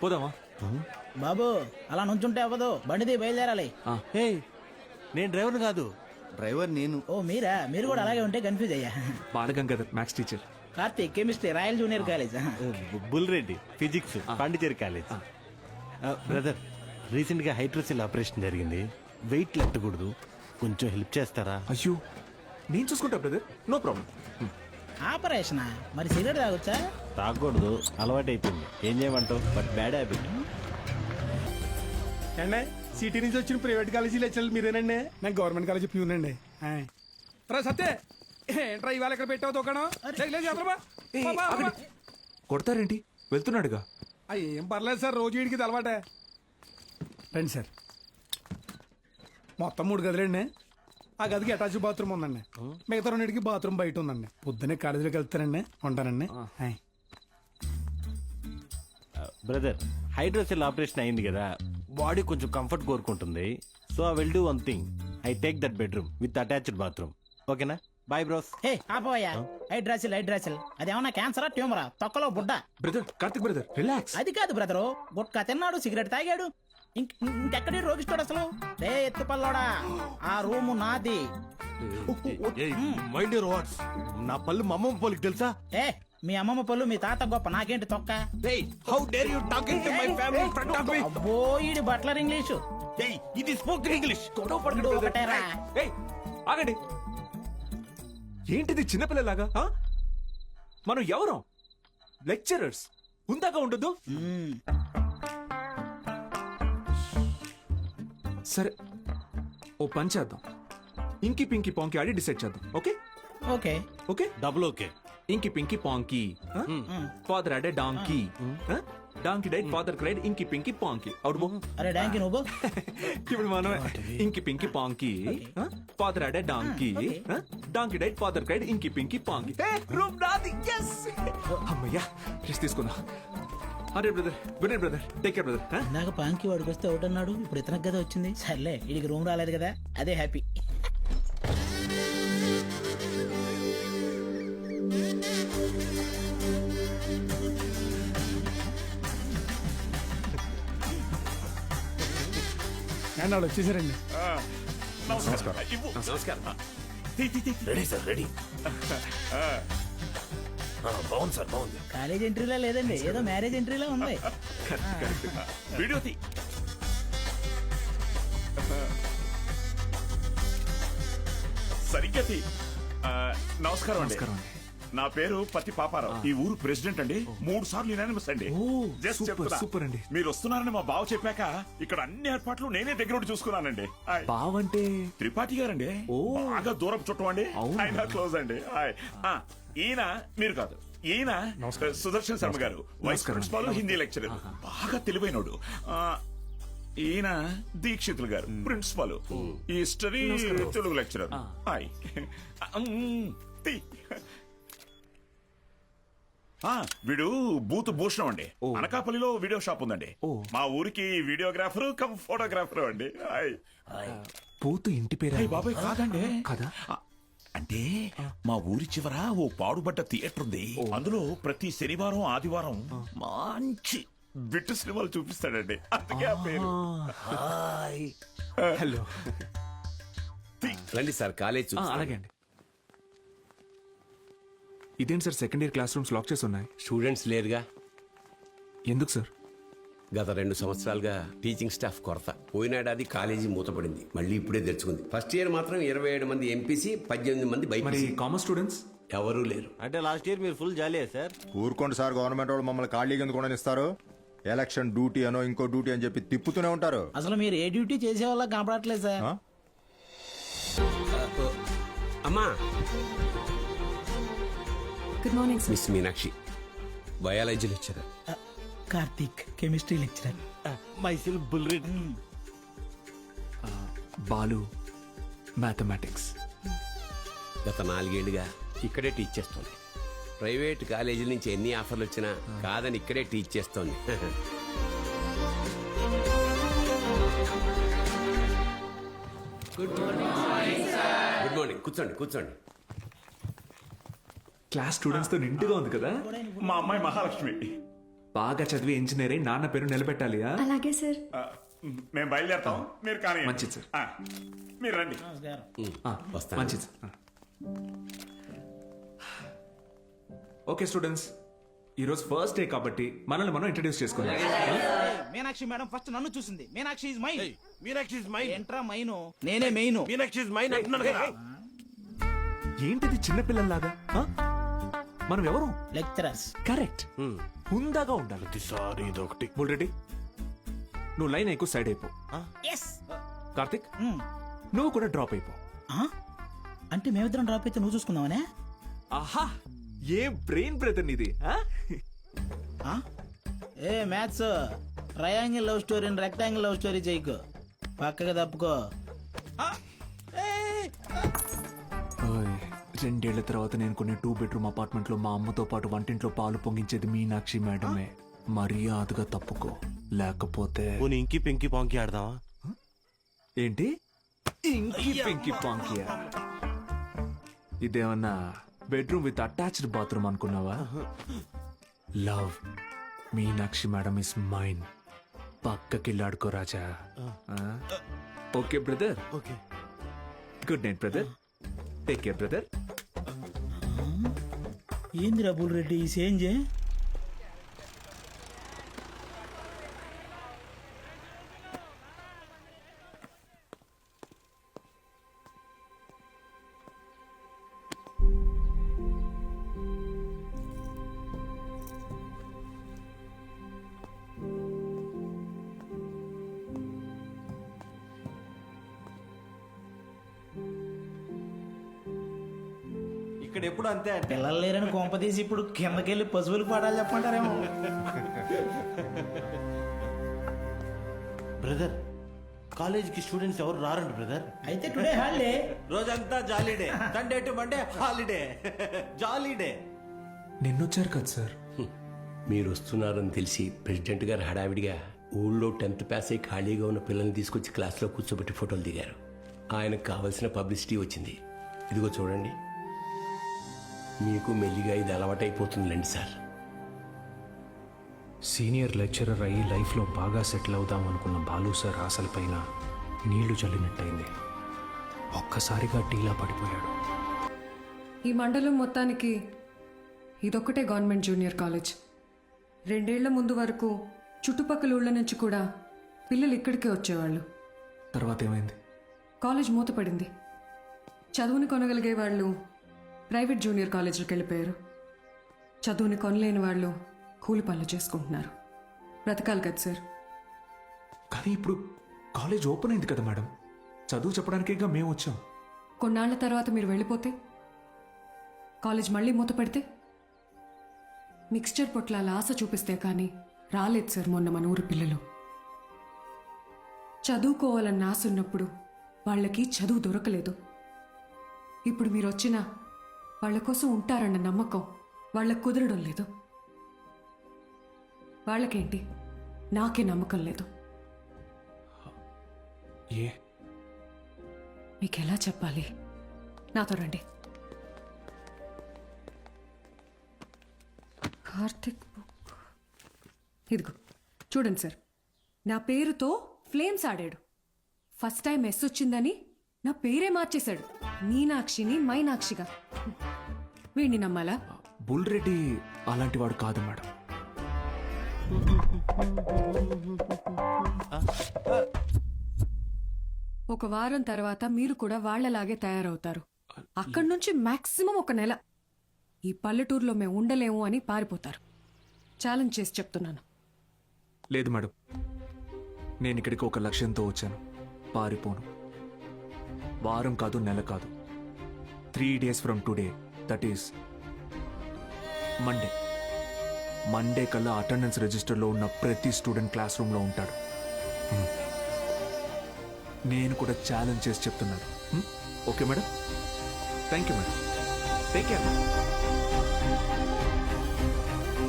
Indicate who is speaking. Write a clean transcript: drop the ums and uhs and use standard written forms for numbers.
Speaker 1: పోదామా?
Speaker 2: బాబు అలా నుంచుంటే అవ్వదు, బండిది బయలుదేరాలి.
Speaker 3: హే, నేను డ్రైవర్ కాదు, డ్రైవర్ నేను.
Speaker 2: ఓ మీరా? మీరు కూడా అలాగే ఉంటే కన్ఫ్యూజ్ అయ్యా.
Speaker 1: Balagangadhar maths teacher.
Speaker 2: Karthik chemistry, royal junior college.
Speaker 3: Bulreddy physics, Pondicherry college. Brother, recent గా హైడ్రోసిల్ ఆపరేషన్ జరిగింది, వెయిట్ లెట్టకూడదు, కొంచెం హెల్ప్ చేస్తారా?
Speaker 1: అయ్యో నేను చూసుకుంటా బ్రదర్, నో ప్రాబ్లం.
Speaker 2: ఆపరేషన్ మరి సిగరెట్ తాగొచ్చా?
Speaker 3: తాగకూడదు, అలవాటు అయిపోయింది. ఏం చేయమంటావు, బట్ బ్యాడ్ హ్యాబిట్.
Speaker 4: అండి సిటీ నుంచి వచ్చిన ప్రైవేట్ కాలేజీ లెక్చరర్ మీరేనండి? నేను గవర్నమెంట్ కాలేజీ ప్యూనండి. రా సత్తే, ఏంట్రా ఇవాళ ఇక్కడ పెట్టావు దుకాణం?
Speaker 1: కొడతారేంటి? వెళ్తున్నాడుగా.
Speaker 4: ఏం పర్లేదు సార్, రోజు వీడికి ఇది అలవాటే. రండి సార్. మొత్తం 3 గదులండి. ఆ గదికి అటాచ్ బాత్రూమ్ ఉందండి, మిగతా 2కి బాత్రూమ్ బయట ఉందండి. పొద్దున్నే కాలేజీలోకి వెళ్తానండి, ఉంటానండి.
Speaker 3: బ్రదర్, హైడ్రోసిల్ ఆపరేషన్ అయింది కదా, బాడీ కొంచెం కంఫర్ట్ కోరుకుంటుంది. So I will do one thing, I take that bedroom with attached bathroom. ఓకేనా? Bye bros.
Speaker 2: హే ఆపోయా, హైడ్రాసిల్ అదేమన్నా క్యాన్సరా ట్యూమరా? తొక్కలో బుడ్డ.
Speaker 1: Brother Karthik brother relax.
Speaker 2: అది కాదు బ్రదరు, గుట్కా తిన్నాడు, సిగరెట్ తాగాడు, ఇంకెక్కడి రోగిస్తాడు అసలు? రే ఎత్తుపల్లోడా, ఆ రూము నాది.
Speaker 3: Mind your words. నా పళ్ళు మా అమ్మమ్మ పోలికి తెలుసా?
Speaker 2: ఏ మీ అమ్మమ్మ పళ్ళు మీ తాత గొప్ప, నాకేంటి తొక్క?
Speaker 3: How dare you talking to my family in front of me?
Speaker 2: అబ్బో ఈడి బట్లర్ ఇంగ్లీషు.
Speaker 3: ఇది స్పోకెన్ ఇంగ్లీష్.
Speaker 2: ఇప్పుడు ఒకటేరా.
Speaker 1: ఏయ్ ఆగండి, ఏంటిది చిన్నపిల్లలాగా? మనం ఎవరం? లెక్చరర్స్, ఉందాక ఉండదు. సరే ఓ పని చేద్దాం, ఇంకి పింకి పాంకి ఆడి డిసైడ్ చేద్దాం. Okay
Speaker 2: okay
Speaker 1: okay
Speaker 3: double okay.
Speaker 1: Inky pinky ponky. Father had a donkey, donkey died, father cried, inky pinky పాంకి. అవును బో.
Speaker 2: అరే డాంకి నువ్వు.
Speaker 1: ఇప్పుడు మనం inky pinky ponky, father had a donkey, donkey died, father cried, inky pinky ponky. Room నాది. yes అమ్మయ్యా, rest తీసుకుందాం. అరే brother, good night brother, take care brother.
Speaker 2: ఇందాక పాంకి వాడికి వస్తే ఒకటి అన్నాడు, ఇప్పుడు ఇతనికి కదా వచ్చింది. సర్లే, వీడికి రూమ్ రాలేదు కదా, అదే హ్యాపీ.
Speaker 4: అండ్ వాళ్ళు వచ్చేసారండి.
Speaker 5: Ready sir, ready. బాగుంది సార్, బాగుంది.
Speaker 2: కాలేజ్ ఎంట్రీలా లేదండి, ఏదో మ్యారేజ్ ఎంట్రీలా ఉంది.
Speaker 5: వీడియో తీ. సరిగ్గా తీ. నమస్కారం అండి. నా పేరు పత్తి పాపారావు, ఈ ఊరు ప్రెసిడెంట్ అండి. 3 సార్లు యునానిమస్ అండి. జస్ట్ చెప్తున్నా.
Speaker 1: సూపర్ అండి.
Speaker 5: మీరు వస్తున్నారని మా బావ చెప్పాక ఇక్కడ అన్ని ఏర్పాట్లు నేనే దగ్గర ఉండి చూసుకున్నానండి.
Speaker 1: బావంటే
Speaker 5: త్రిపాఠి గారండి, బాగా దూరం చుట్టం అండి, ఆయన క్లోజ్ అండి. ఈయన మీరు కాదు, ఈయన సుదర్శన్ శర్మ గారు, వైస్ ప్రిన్సిపాల్, హిందీ లెక్చరర్, బాగా తెలివైనడు. ఈయన దీక్షితులు గారు, ప్రిన్సిపాల్, హిస్టరీ తెలుగు లెక్చరర్. వీడు బూత్ భూషణం అండి, అనకాపల్లిలో వీడియో షాప్ ఉందండి. మా ఊరికి వీడియోగ్రాఫర్ కమ్ ఫోటోగ్రాఫర్ అండి.
Speaker 1: పోతు ఇంటి పేరు?
Speaker 5: బాబాయ్ కాదండి.
Speaker 1: కదా,
Speaker 5: అంటే మా ఊరి చివర ఓ పాడుబడ్డ థియేటర్ ఉంది, అందులో ప్రతి శనివారం ఆదివారం మంచి బిట్టు సినిమాలు చూపిస్తాడండి, అందుకే ఆ పేరు.
Speaker 1: హలో
Speaker 6: రండి సార్, కాలేజ్.
Speaker 1: అలాగే అండి. ఇదేంటి sir, second year classrooms lock చేసి ఉన్నాయి?
Speaker 6: స్టూడెంట్స్ లేరుగా.
Speaker 1: ఎందుకు సార్?
Speaker 6: గత 2 సంవత్సరాలుగా టీచింగ్ స్టాఫ్ కొరత. పోయినాడాది కాలేజీ మూతపడింది, మళ్ళీ ఇప్పుడే తెరుచుకుంది. ఫస్ట్ ఇయర్ మాత్రం 27 మంది ఎంపీసీ, 18 మంది
Speaker 1: మరి
Speaker 6: బైపీసీ.
Speaker 1: కామర్స్ స్టూడెంట్స్
Speaker 6: ఎవరూ లేరు.
Speaker 3: అంటే లాస్ట్ ఇయర్ మీరు ఫుల్ జాలీయా సార్?
Speaker 7: ఊరుకోండి సార్, గవర్నమెంట్ వాళ్ళు మమ్మల్ని ఖాళీగా ఎందుకు ఇస్తారు? ఎలక్షన్ డ్యూటీ అనో ఇంకో డ్యూటీ అని చెప్పి తిప్పుతూనే ఉంటారు.
Speaker 2: అసలు మీరు ఏ డ్యూటీ చేసే వాళ్ళ కనపడట్లేదు సార్.
Speaker 6: అమ్మా,
Speaker 8: good morning sir.
Speaker 6: Miss Meenakshi, biology lecturer.
Speaker 2: Karthik chemistry lecturer.
Speaker 3: Myself Bulreddy.
Speaker 1: Balu mathematics.
Speaker 6: గత 4 ఏళ్లుగా ఇక్కడే టీచ్ చేస్తోంది. ప్రైవేట్ కాలేజీల నుంచి ఎన్ని ఆఫర్లు వచ్చినా కాదని ఇక్కడే టీచ్ చేస్తోంది. Good morning. కూర్చోండి కూర్చోండి.
Speaker 1: క్లాస్ స్టూడెంట్స్ తో నిండుగా ఉంది కదా.
Speaker 5: మా అమ్మాయి మహాలక్ష్మి.
Speaker 1: బాగా చదివి ఇంజనీర్ అయి నాన్న పేరు నిలబెట్టాలి ఆ?
Speaker 8: అలాగే సార్.
Speaker 5: మేము బయలుదేరతాం, మీరు కానీ
Speaker 1: మంచిది సార్.
Speaker 5: మీరు రండి.
Speaker 1: ఆ,
Speaker 6: వస్తాను.
Speaker 1: మంచిది సార్. ఓకే స్టూడెంట్స్, ఈరోజు ఫస్ట్ డే కాబట్టి మనల్ని మనం ఇంట్రడ్యూస్ చేసుకుందాం.
Speaker 2: మీనాక్షి మేడం ఫస్ట్ నన్ను చూసింది. Meenakshi is mine.
Speaker 3: Meenakshi is mine.
Speaker 2: ఏంట్రా మైను? నేనే మెయిన్.
Speaker 3: మీనాక్షి ఇస్ మైన్ అంటున్నాను కదా.
Speaker 1: ఏంటిది చిన్నపిల్లల్లాగా ఆ? మనం ఎవరు?
Speaker 2: లెక్చరర్స్.
Speaker 1: కరెక్ట్. హుందాగా ఉండాలి.
Speaker 3: ప్రతిసారి ఇదొకటి.
Speaker 1: బుల్రెడ్డి, నువ్వు లైన్ ఎక్కువ సైడ్ అయిపో.
Speaker 2: ఎస్.
Speaker 1: కార్తిక్, నువ్వు కూడా డ్రాప్ అయిపో.
Speaker 2: అంటే మేమిద్దరం డ్రాప్ అయితే నువ్వు చూసుకుందామనే?
Speaker 1: ఆహా, ఏ బ్రెయిన్ బ్రదర్ నీది ఆ?
Speaker 2: ఏ మ్యాథ్స్ ట్రయాంగిల్ లవ్ స్టోరీని రెక్టాంగిల్ లవ్ స్టోరీ చేయకు, పక్కగా తప్పుకో.
Speaker 1: ఓయ్, 2 ఏళ్ల తర్వాత నేను కొన్ని 2 బెడ్రూమ్ అపార్ట్మెంట్ లో మా అమ్మతో పాటు వంటింట్లో పాలు పొంగించేది మీనాక్షి మేడమే. మర్యాదగా తప్పుకో, లేకపోతే
Speaker 3: పోనీ ఇంకి పెంకి పాంకి ఆడదామా?
Speaker 1: ఏంటి ఇంకి పింకి పాంకియా? ఇదేమన్నా బెడ్రూమ్ విత్ అటాచ్డ్ బాత్రూమ్ అనుకున్నావా? Love Meenakshi madam is mine. పక్కకిల్లాడుకో రాజా. Okay brother.
Speaker 3: Okay.
Speaker 1: Good night brother. Take care brother.
Speaker 2: ఏందిరా బుల్రెడ్డి ఈ సేంజే?
Speaker 3: ఇక్కడ ఎప్పుడు అంతే అంటే
Speaker 2: పిల్లలు లేరని కొంపదీసి ఇప్పుడు కిందకెళ్ళి పశువులకు పాడాలి చెప్పంటారేమో.
Speaker 3: బ్రదర్, కాలేజీకి స్టూడెంట్స్ ఎవరు రారండి బ్రదర్.
Speaker 2: అయితే టుడే హాలిడే.
Speaker 3: రోజంతా jolly day. Sunday to Monday holiday. Jolly day.
Speaker 1: నిన్నొచ్చారు కదా సార్.
Speaker 6: మీరు వస్తున్నారని తెలిసి ప్రెసిడెంట్ గారు హడావిడిగా ఊళ్ళో 10th పాస్ అయి ఖాళీగా ఉన్న పిల్లల్ని తీసుకొచ్చి క్లాస్లో కూర్చోబెట్టి ఫోటోలు దిగారు. ఆయనకు కావలసిన పబ్లిసిటీ వచ్చింది. ఇదిగో చూడండి, మీకు మెల్లిగా ఇది అలవాటైపోతుందిలేండి సార్.
Speaker 9: సీనియర్ లెక్చరర్ అయ్యి లైఫ్లో బాగా సెటిల్ అవుదాం అనుకున్న బాలు సార్ ఆశలపైన నీళ్లు చల్లినట్టయింది. ఒక్కసారిగా టీలా పడిపోయాడు.
Speaker 8: ఈ మండలం మొత్తానికి ఇదొక్కటే గవర్నమెంట్ జూనియర్ కాలేజ్. 2 ఏళ్ల ముందు వరకు చుట్టుపక్కల ఊళ్ళ నుంచి కూడా పిల్లలు ఇక్కడికే వచ్చేవాళ్ళు.
Speaker 1: తర్వాత ఏమైంది?
Speaker 8: కాలేజ్ మూతపడింది. చదువుని కొనగలిగే వాళ్ళు ప్రైవేట్ జూనియర్ కాలేజీలకు వెళ్ళిపోయారు. చదువుని కొనలేని వాళ్ళు కూలి పనులు చేసుకుంటున్నారు. బ్రతకాలి కదా సార్.
Speaker 1: కానీ ఇప్పుడు కాలేజ్ ఓపెన్ అయింది కదా మేడం. చదువు చెప్పడానికేగా మేము వచ్చాం.
Speaker 8: కొన్నాళ్ల తర్వాత మీరు వెళ్ళిపోతే, కాలేజ్ మళ్ళీ మూతపడితే, మిక్స్చర్ పొట్లాల ఆశ చూపిస్తే కానీ రాలేదు సార్ మొన్న మన ఊరి పిల్లలు. చదువుకోవాలన్న ఆశ ఉన్నప్పుడు వాళ్ళకి చదువు దొరకలేదు. ఇప్పుడు మీరు వచ్చినా వాళ్ళ కోసం ఉంటారన్న నమ్మకం వాళ్ళకు కుదరడం లేదు. వాళ్ళకేంటి, నాకే నమ్మకం లేదు.
Speaker 1: ఏ
Speaker 8: మీకెలా చెప్పాలి? నాతో రండి. కార్తిక్ బుక్ ఇదిగో చూడండి సార్. నా పేరుతో ఫ్లేమ్స్ ఆడాడు. ఫస్ట్ టైం ఎస్ వచ్చిందని నా పేరే మార్చేశాడు. మీనాక్షిని మైనాక్షిగా. వీడిని నమ్మాలా?
Speaker 1: బుల్రెడ్డి అలాంటి వాడు కాదు మేడం.
Speaker 8: ఒక వారం తర్వాత మీరు కూడా వాళ్లలాగే తయారవుతారు. అక్కడి నుంచి మాక్సిమం 1 నెల ఈ పల్లెటూరులో మేము ఉండలేము అని పారిపోతారు. ఛాలెంజ్ చేసి చెప్తున్నాను.
Speaker 1: లేదు మేడం, నేను ఇక్కడికి ఒక లక్ష్యంతో వచ్చాను. పారిపోను. వారం కాదు, నెల కాదు, 3 days from today, that is Monday కల్లా అటెండెన్స్ రిజిస్టర్లో ఉన్న ప్రతి స్టూడెంట్ క్లాస్ రూమ్లో ఉంటాడు. నేను కూడా ఛాలెంజ్ చేసి చెప్తున్నాను. Okay madam? Thank you madam. Take care.